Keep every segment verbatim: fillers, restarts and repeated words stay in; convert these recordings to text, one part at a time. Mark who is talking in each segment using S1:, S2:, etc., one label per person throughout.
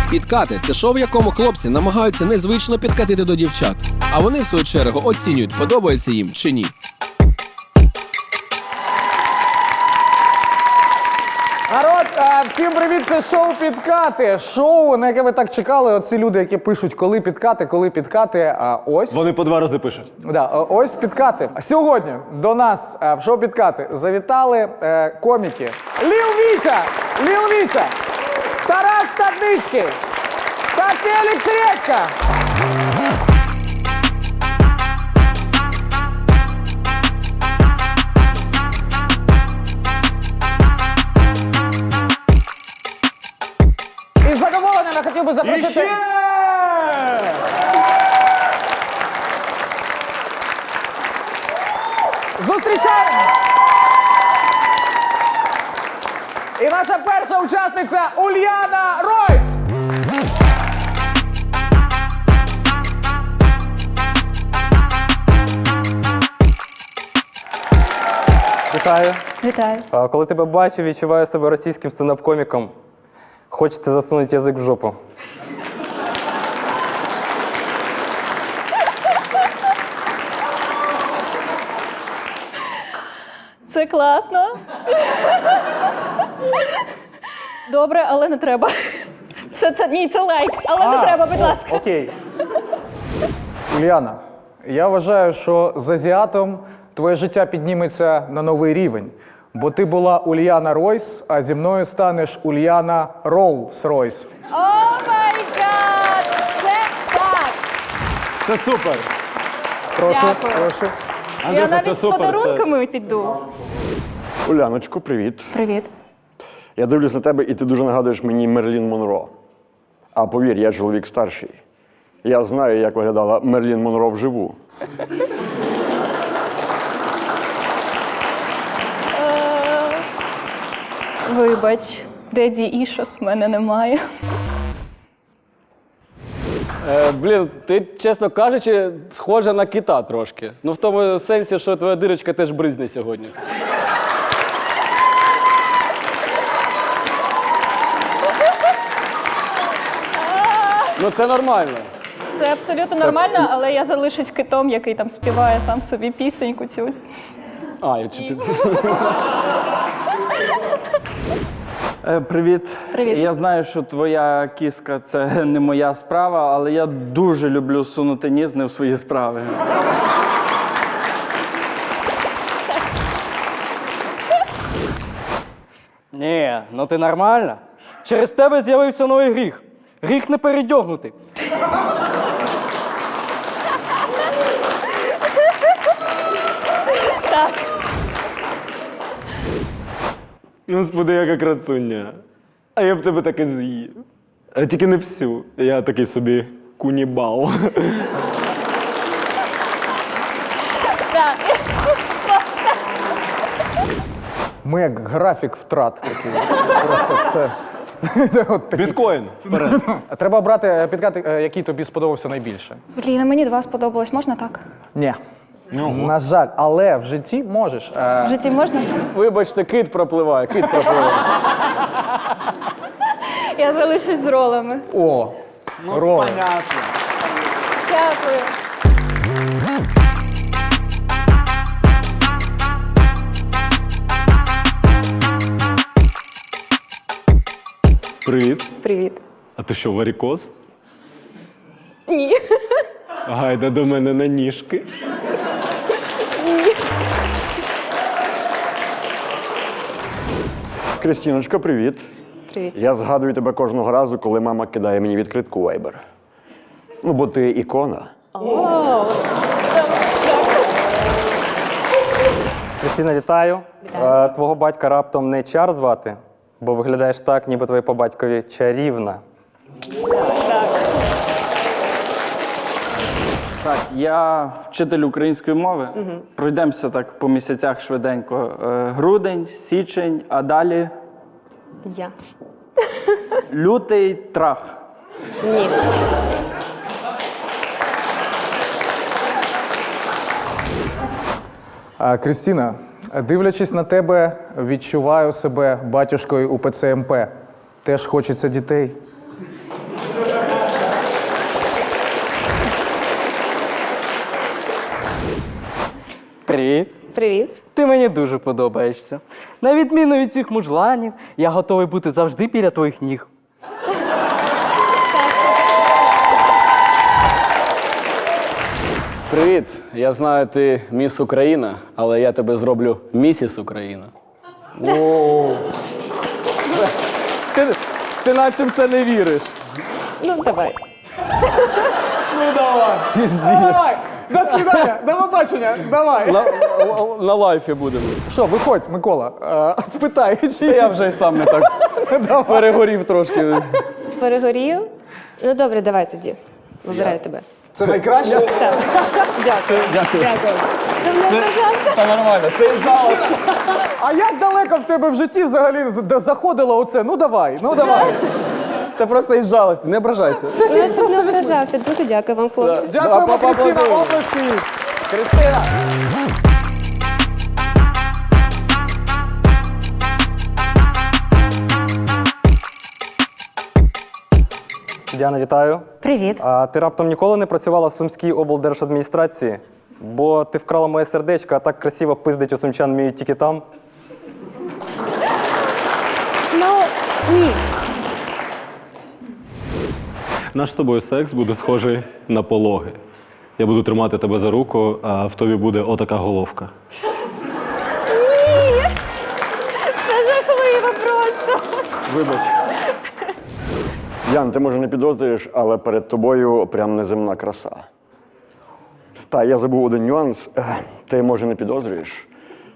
S1: Підкати – це шоу, в якому хлопці намагаються незвично підкатити до дівчат. А вони, в свою чергу, оцінюють, подобається їм чи ні.
S2: Народ, а, всім привіт, це шоу «Підкати». Шоу, на яке ви так чекали. Оці люди, які пишуть, коли підкати, коли підкати. А ось.
S3: Вони по два рази пишуть.
S2: Да, ось підкати. Сьогодні до нас а, в шоу «Підкати» завітали е, коміки Ліл Вітя, Ліл Вітя, Тарас Стадницький та Фелікс Редька. Із задоволенням я хотів би запросити...
S3: Іще!
S2: Зустрічаємо! І наша перша учасниця Ульяна Ройс!
S4: Вітаю.
S5: Вітаю.
S4: А, Коли тебе бачу, відчуваю себе російським стендап-коміком. Хочеться засунути язик в жопу.
S5: Це класно. Добре, але не треба. Це, це, ні, це лайк, але не треба, будь ласка.
S4: Окей.
S2: Уляна, я вважаю, що з азіатом твоє життя підніметься на новий рівень. Бо ти була Ульяна Ройс, а зі мною станеш Ульяна Роллс-Ройс.
S5: О май гад! Це так!
S3: Це супер.
S2: Прошу,
S5: Дякую.
S2: прошу.
S5: Я
S3: Андрюха,
S5: навіть
S3: це
S5: з
S3: супер.
S5: подарунками піду.
S6: Уляночко, привіт.
S5: Привіт.
S6: Я дивлюсь на тебе, і ти дуже нагадуєш мені Мерлін Монро. А повір, я чоловік старший. Я знаю, як виглядала Мерлін Монро вживу.
S5: Вибач, деді Ішос в мене немає.
S7: Е, блін, ти, чесно кажучи, схожа на кита трошки. Ну, в тому сенсі, що твоя дирочка теж бризне сьогодні. Ну, це нормально.
S5: Це абсолютно нормально, але я залишусь китом, який там співає сам собі пісеньку цю.
S7: А, я чи ти...
S8: Е, Привіт.
S5: Привіт.
S8: Я знаю, що твоя кіска – це не моя справа, але я дуже люблю сунути ніс не в свої справи.
S7: Ні, ну ти нормальна. Через тебе з'явився новий гріх. Гріх не передьогнути.
S5: Так.
S3: Господи, яка красуня. А я б тебе таки з'їв. А тільки не всю. Я такий собі кунібал.
S5: Так.
S2: Ми як графік втрат такий. Просто все. все от такі.
S3: Біткоін. Вперед.
S2: Треба обрати підкати, е, який тобі сподобався найбільше.
S5: Блін, а мені два сподобалось, можна так?
S2: Ні. На жаль, але в житті можеш. Е,
S5: В житті можна?
S7: Вибачте, кит пропливає, кит пропливає.
S5: Я залишусь з ролами.
S2: О, роли.
S5: Дякую.
S3: Привіт.
S5: Привіт.
S3: А ти що, варікоз?
S5: Ні.
S3: Гайда до мене на ніжки.
S6: Крістіночко, привіт.
S5: Привіт.
S6: Я згадую тебе кожного разу, коли мама кидає мені відкритку Viber. Ну, бо ти ікона.
S4: Кристина, вітаю. Е, Твого батька раптом не Чар звати, бо виглядаєш так, ніби твоє по батькові чарівна.
S8: Так, я вчитель української мови. Пройдемося так по місяцях швиденько. Е, Грудень, січень, а далі
S9: Я.
S8: лютий трах.
S9: Ні.
S2: А, Крістіна, дивлячись на тебе, відчуваю себе батюшкою УПЦ МП. Теж хочеться дітей.
S7: Привіт.
S9: Привіт.
S7: Ти мені дуже подобаєшся. На відміну від цих мужланів, я готовий бути завжди біля твоїх ніг.
S10: Привіт. Я знаю, ти міс Україна, але я тебе зроблю місіс Україна.
S7: Ти, ти наче в це не віриш.
S9: Ну, давай.
S2: Давай! До свидання! До побачення! Давай!
S7: На, на лайфі будемо.
S2: Що, виходь, Микола, е, спитай, чи
S7: Я вже й сам не так перегорів трошки.
S9: Перегорів? Ну, добре, давай тоді. Вибираю тебе.
S2: це найкраще?
S9: Так. Дякую. Дякую. Дякую. Давно бажався.
S7: Та нормально, це і жалость.
S2: А як далеко в тебе в житті взагалі з- заходило оце? Ну давай, ну давай.
S7: Та просто із жалості, не ображайся.
S9: Ну, щоб не вражався. Дуже дякую вам, хлопці.
S2: Дякуємо,
S7: Да,
S2: Кристина,
S7: поаплодуємо.
S2: області!
S7: Кристина!
S4: Діана, вітаю.
S11: Привіт.
S4: А ти раптом ніколи не працювала в Сумській облдержадміністрації? Бо ти вкрала моє сердечко, а так красиво пиздить у сумчан вміють тільки там.
S11: Ну, ні.
S3: Наш з тобою секс буде схожий на пологи. Я буду тримати тебе за руку, а в тобі буде отака головка.
S11: Ні. Це жахливо просто.
S3: Вибач.
S6: Ян, ти може не підозрюєш, але перед тобою прям неземна краса. Та, я забув один нюанс. Е, Ти, може, не підозрюєш?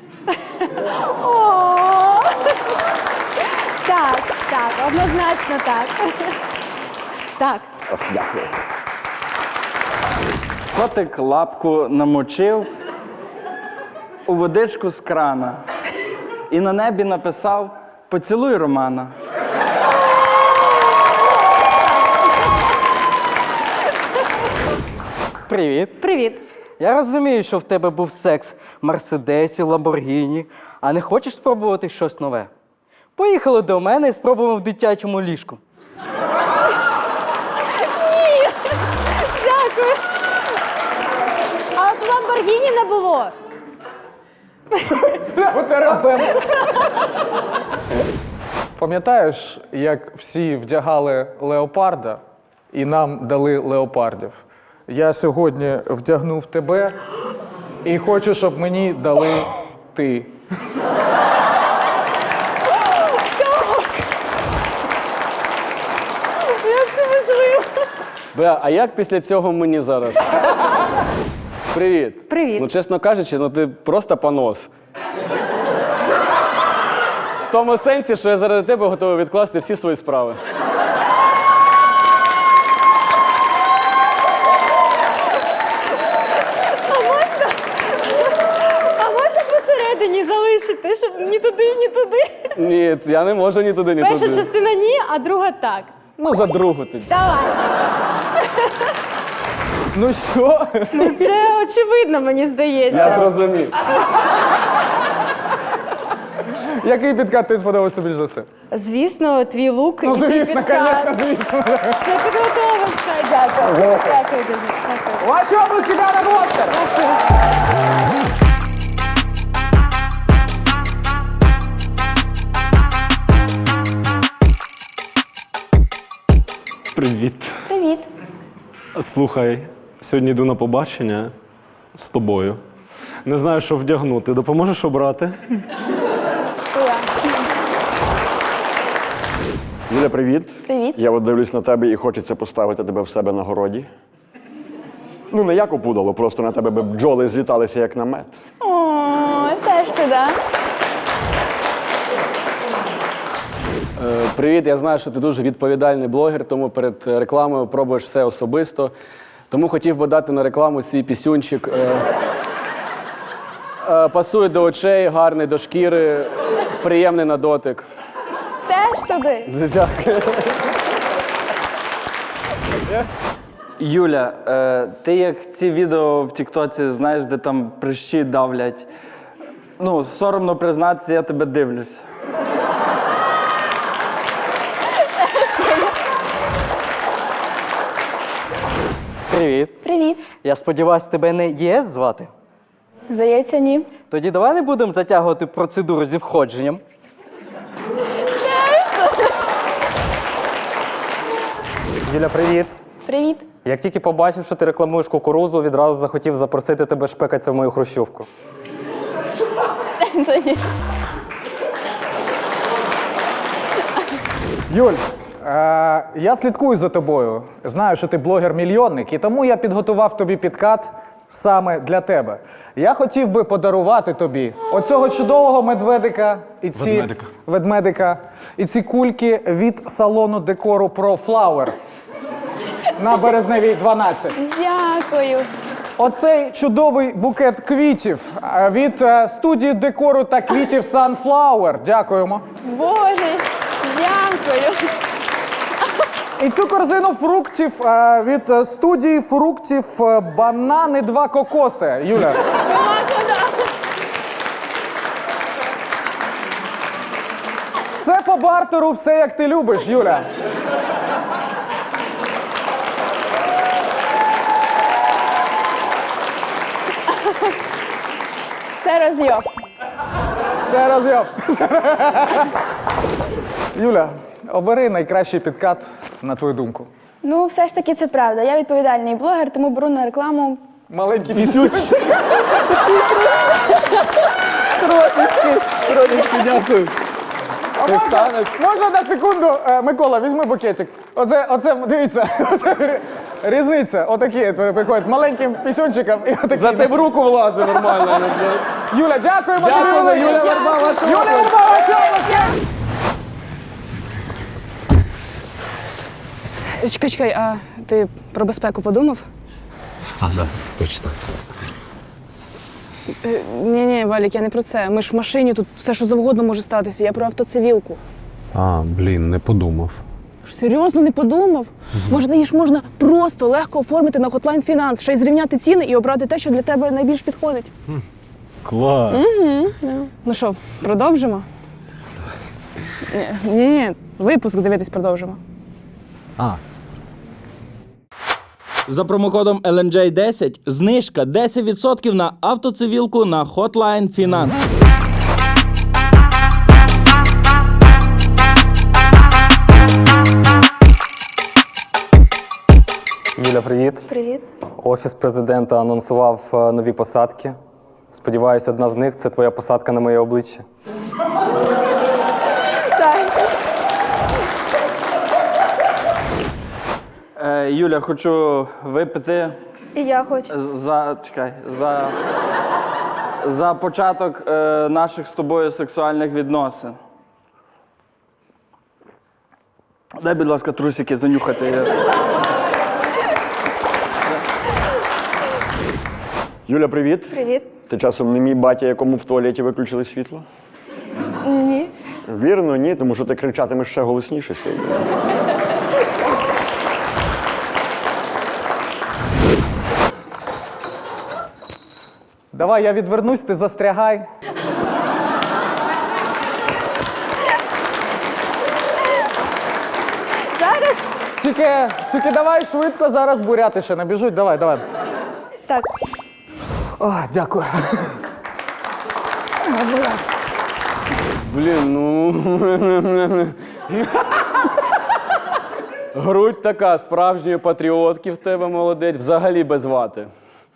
S11: О. Так, так, однозначно так. Так.
S6: Ох, дякую.
S8: Котик лапку намочив у водичку з крана і на небі написав «Поцілуй Романа».
S7: Привіт.
S11: Привіт.
S7: Я розумію, що в тебе був секс в Мерседесі, Ламборгіні, а не хочеш спробувати щось нове? Поїхали до мене і спробуємо в дитячому ліжку.
S11: Дякую. А от Ламборгіні не було.
S2: Оце реакція. Пам'ятаєш, як всі вдягали леопарда і нам дали леопардів? Я сьогодні вдягнув тебе і хочу, щоб мені дали ти.
S11: Як це можливо?
S10: Бля, а як після цього мені зараз? Привіт.
S11: Привіт.
S10: Ну, чесно кажучи, ну ти просто понос. В тому сенсі, що я заради тебе готовий відкласти всі свої справи.
S11: А можна посередині залишити, щоб ні туди, ні туди?
S10: Ні, я не можу ні туди, ні
S11: Перша
S10: туди.
S11: частина ні, а друга так.
S10: Ну, за другу тоді.
S11: Давай.
S2: Ну що?
S11: Це очевидно, мені здається.
S10: Я зрозумів.
S2: Який підкат тобі сподобався більш за все?
S11: Звісно, твій лук
S2: Ну,
S11: і твій
S2: звісно,
S11: підкат.
S2: звісно, звісно.
S11: Це підготовочка. Дякую. Дякую дуже. Дякую.
S2: Ваші обласки, Діана Глостер!
S3: Привіт.
S11: Привіт.
S3: Слухай, сьогодні йду на побачення з тобою. Не знаю, що вдягнути. Допоможеш обрати?
S6: Юля, привіт.
S11: Привіт.
S6: Я от дивлюсь на тебе і хочеться поставити тебе в себе на городі. Ну, не як опудало, просто на тебе би бджоли зліталися, як на мед.
S11: О, теж туди.
S10: Е, Привіт, я знаю, що ти дуже відповідальний блогер, тому перед е, рекламою пробуєш все особисто. Тому хотів би дати на рекламу свій пісюнчик. Е, е, Пасує до очей, гарний до шкіри, приємний на дотик.
S11: Теж туди.
S10: Дякую.
S8: Юля, е, ти як ці відео в Тіктоці, знаєш, де там прищі давлять. Ну, соромно признатися, я тебе дивлюсь.
S7: Привіт.
S11: Привіт.
S7: Я сподіваюся, тебе не ЄС звати?
S5: Здається, ні.
S7: Тоді давай не будемо затягувати процедуру зі входженням.
S4: Юля, привіт.
S5: Привіт.
S4: Як тільки побачив, що ти рекламуєш кукурузу, відразу захотів запросити тебе шпекатися в мою хрущовку.
S5: Це ні.
S2: Юль, е, я слідкую за тобою. Знаю, що ти блогер-мільйонник, і тому я підготував тобі підкат саме для тебе. Я хотів би подарувати тобі оцього чудового медведика і ці
S3: Ведмедика.
S2: ведмедика і ці кульки від салону декору Pro Flower на Березневій дванадцять.
S5: Дякую.
S2: Оцей чудовий букет квітів е, від е, студії декору та квітів Sunflower. Дякуємо.
S5: Боже, дякую.
S2: І цю корзину фруктів е, від е, студії фруктів е, банани два кокоси. Юля. Все по бартеру, все як ти любиш, Юля.
S5: Це розйоб.
S2: Це розйоб. Юля, обери найкращий підкат на твою думку.
S5: Ну, все ж таки це правда. Я відповідальний блогер, тому беру на рекламу.
S2: Маленький пісюч.
S3: Дякую.
S2: А можна, можна на секунду, Е, Микола, візьми букетик. Оце, оце, дивіться, оце рі- різниця. Отакі приходять з маленьким пісюнчиком і отакі.
S3: Зате в руку влазить нормально.
S2: Юля, дякуємо.
S3: Дякую,
S2: тобі.
S3: Юля Верба, ваша
S2: Юля
S3: оплески.
S2: Верба, ваша оплески.
S11: Чекай, чекай, а ти про безпеку подумав?
S3: А, да, точно.
S11: Ні, ні, Валік, я не про це. Ми ж в машині, тут все, що завгодно може статися. Я про автоцивілку.
S3: А, блін, не подумав.
S11: Серйозно не подумав? Може, її ж можна просто легко оформити на Hotline Finance, ще й зрівняти ціни і обрати те, що для тебе найбільш підходить.
S3: Клас.
S11: Ну що, продовжимо? Ні, ні, ні, випуск дивитись продовжимо.
S3: А.
S8: За промокодом ел ен джей десять знижка десять відсотків на автоцивілку на Hotline Finance.
S4: Юля, привіт.
S9: Привіт.
S4: Офіс президента анонсував е, нові посадки. Сподіваюся, одна з них це твоя посадка на моє обличчя.
S8: Е, Юля, хочу випити
S9: І я хочу.
S8: за, чекай, за, за початок е, наших з тобою сексуальних відносин. Дай, будь ласка, трусики занюхати.
S6: Юля, привіт.
S9: Привіт.
S6: Ти часом не мій батя, якому в туалеті виключили світло?
S9: Ні.
S6: Вірно, ні, тому що ти кричатимеш ще голосніше сьогодні.
S2: Давай, я відвернусь, ти застрягай.
S9: Зараз?
S2: Тільки, тільки давай швидко, зараз буряти ще набіжуть. Давай, давай.
S9: Так.
S2: О, дякую.
S10: Блін, ну. Грудь така, справжньої патріотки в тебе, молодець, взагалі без вати.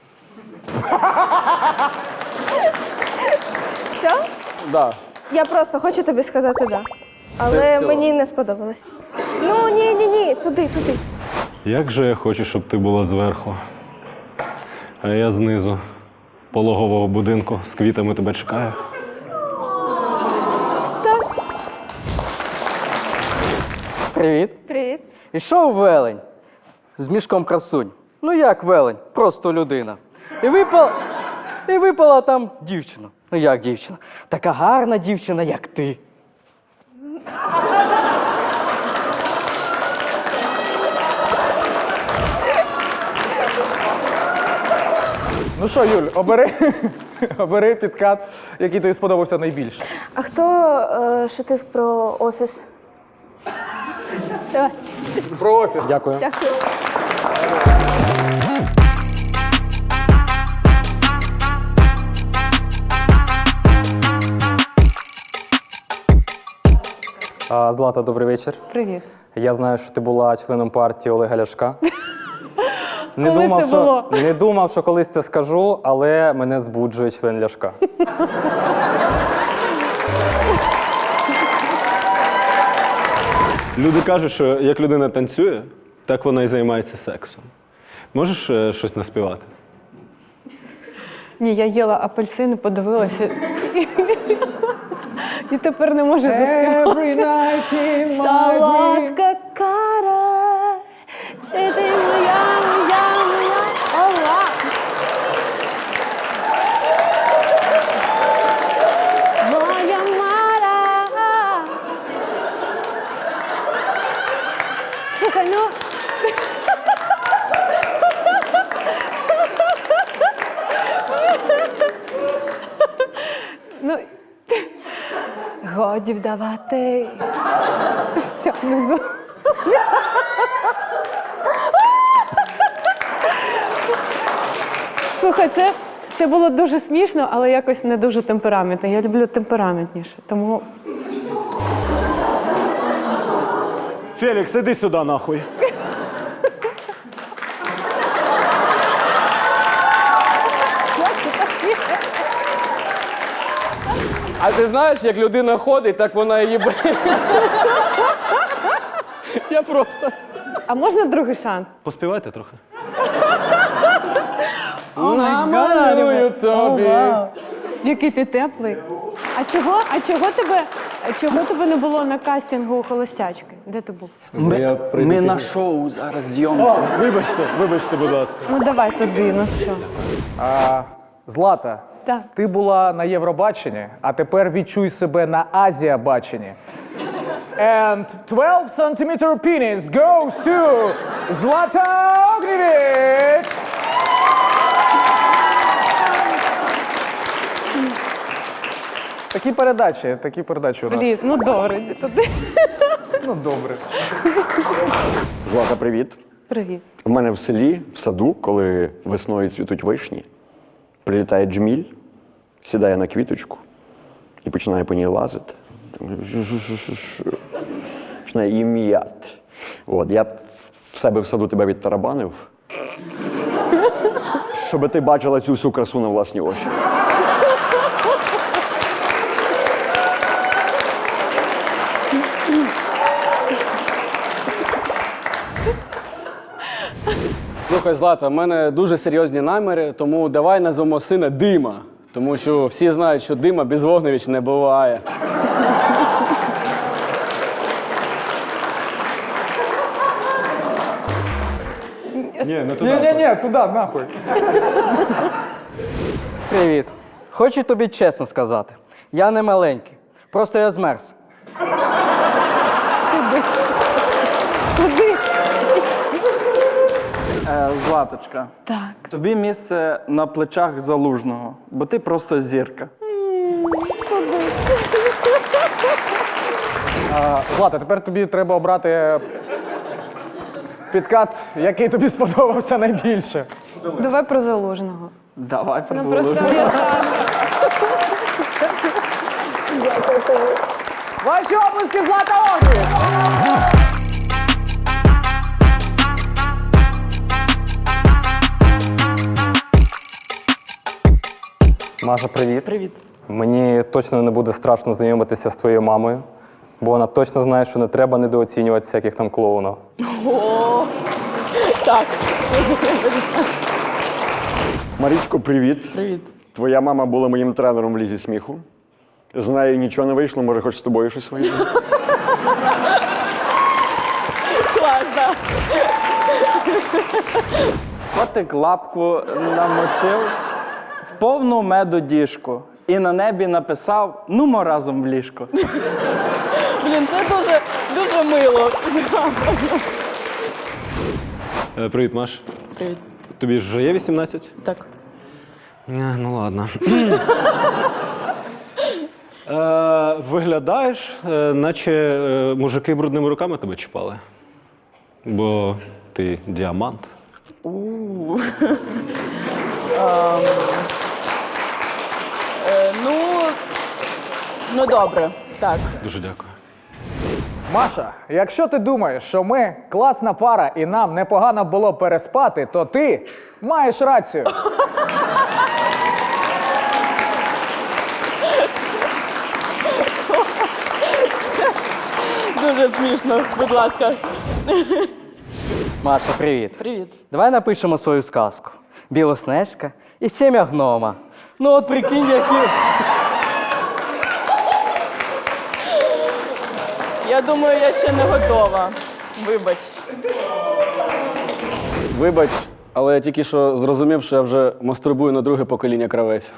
S9: Все?
S10: Да.
S9: Я просто хочу тобі сказати да.
S10: Це в
S9: Але
S10: цілому.
S9: мені не сподобалось. Ну, ні, ні, ні, туди, туди.
S3: Як же я хочу, щоб ти була зверху, а я знизу пологового будинку з квітами тебе чекаю.
S9: Так.
S7: Привіт.
S9: Привіт.
S7: Ішов велень з мішком красунь. Ну як велень? Просто людина. І випала, і випала там дівчина. Ну як дівчина? Така гарна дівчина, як ти.
S2: Ну що, Юль, обери, обери підкат, який тобі сподобався найбільше.
S9: А хто е, шутив про офіс? Давай.
S2: Про офіс.
S4: Дякую.
S9: Дякую.
S4: А, Злата, добрий вечір.
S5: Привіт.
S4: Я знаю, що ти була членом партії Олега Ляшка. Не
S5: Коли
S4: думав,
S5: це
S4: що,
S5: було?
S4: не думав, що колись це скажу, але мене збуджує член Ляшка.
S3: Люди кажуть, що як людина танцює, так вона і займається сексом. Можеш е, щось наспівати?
S5: Ні, я їла апельсини, подивилася. І тепер не можу заспівати.
S9: Солодка кара, чи ти моя, моя, моя, ола. Моя мара. Слухай, ну... Ну, годі вдавати, що внизу. Слухай, це, це було дуже смішно, але якось не дуже темпераментно. Я люблю темпераментніше, тому...
S3: Фелікс, іди сюди нахуй.
S10: А ти знаєш, як людина ходить, так вона її б... Я просто...
S5: А можна другий шанс?
S3: Поспівайте трохи.
S10: Намалюю тобі.
S5: Який ти теплий. А чого, а чого тебе, а чого тебе не було на кастингу у холостячки? Де ти був?
S8: Ми, ми на шоу зараз зйомки.
S3: Вибачте, вибачте, будь ласка.
S5: Ну давай туди, ну все.
S2: А, Злата,
S5: Так.
S2: ти була на Євробаченні, а тепер відчуй себе на Азіабаченні. And twelve centimeter penis goes to Злата Огнєвіч! Такі передачі, такі передачі у нас.
S5: Блін, ну добре, йди туди.
S2: Ну, добре.
S6: Злата, привіт.
S5: Привіт.
S6: У мене в селі, в саду, коли весною цвітуть вишні, прилітає джміль, сідає на квіточку і починає по ній лазити. Починає її м'яти. От, я б в себе в саду тебе відтарабанив, щоб ти бачила цю всю красу на власні очі.
S10: Слухай, Злата, в мене дуже серйозні наміри, тому давай назвемо сина Дима. Тому що всі знають, що Дима без Вогневич не буває.
S3: Ні, не туди.
S2: Ні-ні-ні, туди, нахуй.
S7: Привіт. Хочу тобі чесно сказати. Я не маленький. Просто я змерз.
S5: Куди?
S8: Е, Златочка,
S5: Так.
S8: тобі місце на плечах Залужного, бо ти просто зірка.
S2: А, Злата, тепер тобі треба обрати підкат, який тобі сподобався найбільше.
S5: Давай про Залужного.
S8: Давай про
S5: Ну
S8: Залужного.
S5: просто я так.
S2: Ваші оплески, Злата Огнєвіч!
S4: Маша, привіт. Привіт. Мені точно не буде страшно знайомитися з твоєю мамою, бо вона точно знає, що не треба недооцінювати всяких там клоунів.
S6: Марічко, привіт.
S8: Привіт.
S6: Твоя мама була моїм тренером в лізі сміху. З нею нічого не вийшло, може, хоч з тобою щось вийде.
S8: Котик лапку намочив в повну меду діжку і на небі написав «Нумо разом в ліжко».
S11: Блін, це дуже, дуже мило.
S3: Е, Привіт, Маш.
S11: Привіт.
S3: Тобі ж вже є вісімнадцять?
S11: Так.
S3: Е, Ну ладно. Е, Виглядаєш, е, наче е, мужики брудними руками тебе чіпали. Бо ти діамант.
S11: Е, ну, ну добре, так.
S3: Дуже дякую.
S2: Маша, якщо ти думаєш, що ми класна пара і нам непогано було переспати, то ти маєш рацію.
S12: Дуже смішно, будь ласка.
S7: Маша, привіт.
S12: Привіт.
S7: Давай напишемо свою сказку. Білоснежка і сім'я гнома. Ну от прикинь, які.
S12: Я думаю, я ще не готова. Вибач.
S10: Вибач, але я тільки що зрозумів, що я вже мастурбую на друге покоління кравець.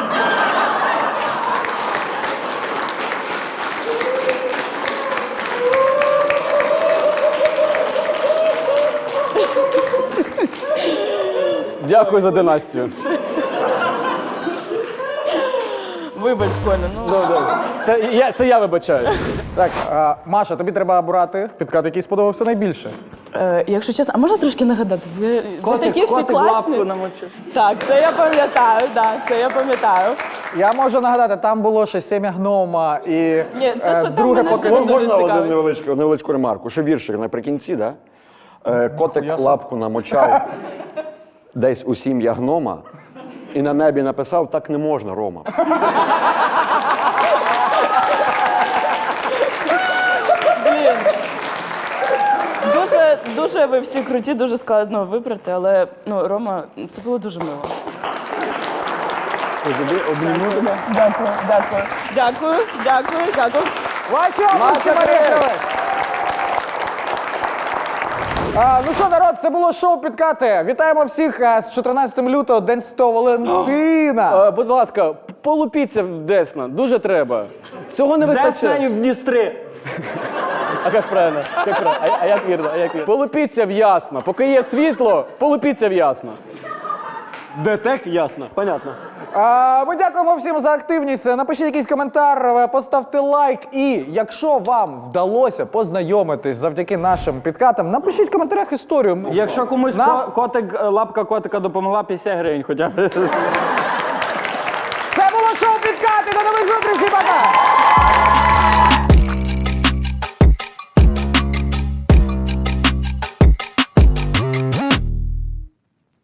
S10: Дякую за династію.
S12: Вибач, Коля, ну.
S10: Це я, це я вибачаю.
S2: Так, а, Маша, тобі треба обрати підкат, який сподобався найбільше.
S12: Е, якщо чесно, а можна трошки нагадати? Ви
S8: Котик,
S12: такі всі
S8: котик
S12: класні.
S8: лапку намочив.
S12: Так, це я пам'ятаю, да, це я пам'ятаю.
S2: Я можу нагадати, там було ще сім'я гнома і
S12: Ні, те,
S2: е,
S12: що там
S2: друге
S12: мене вже
S2: покоління.
S12: не дуже
S6: Можна
S12: цікавить.
S6: один невеличку, невеличку ремарку? Ще віршик наприкінці, да? Е, Котик лапку намочав десь у сім'я гнома і на небі написав: так не можна, Рома.
S12: Блін. Дуже, дуже ви всі круті, дуже складно вибрати, але ну, Рома, це було дуже мило. Дякую, дякую. Дякую, дякую, дякую.
S2: Ваші області, Марія Кравець! А, ну що, народ, це було шоу «Підкати». Вітаємо всіх а, з чотирнадцятим лютого, День Святого Валентина.
S10: Е, будь ласка, полупіться в Десна, дуже треба. Цього не
S8: Десна і
S10: вистачає.
S8: в Дністрі.
S10: А як правильно? Як правильно? А, а як вірно? А як вірно? Полупіться в Ясно. Поки є світло, полупіться в Ясно.
S3: Детек, ясно, понятно.
S2: А, ми дякуємо всім за активність. Напишіть якийсь коментар, поставте лайк. І якщо вам вдалося познайомитись завдяки нашим підкатам, напишіть в коментарях історію.
S8: Якщо комусь
S2: Нам-
S8: ко- котик, лапка котика допомогла, п'ятдесят гривень хоча б.
S2: Це було шоу «Підкати». До нових зустрічей, пока!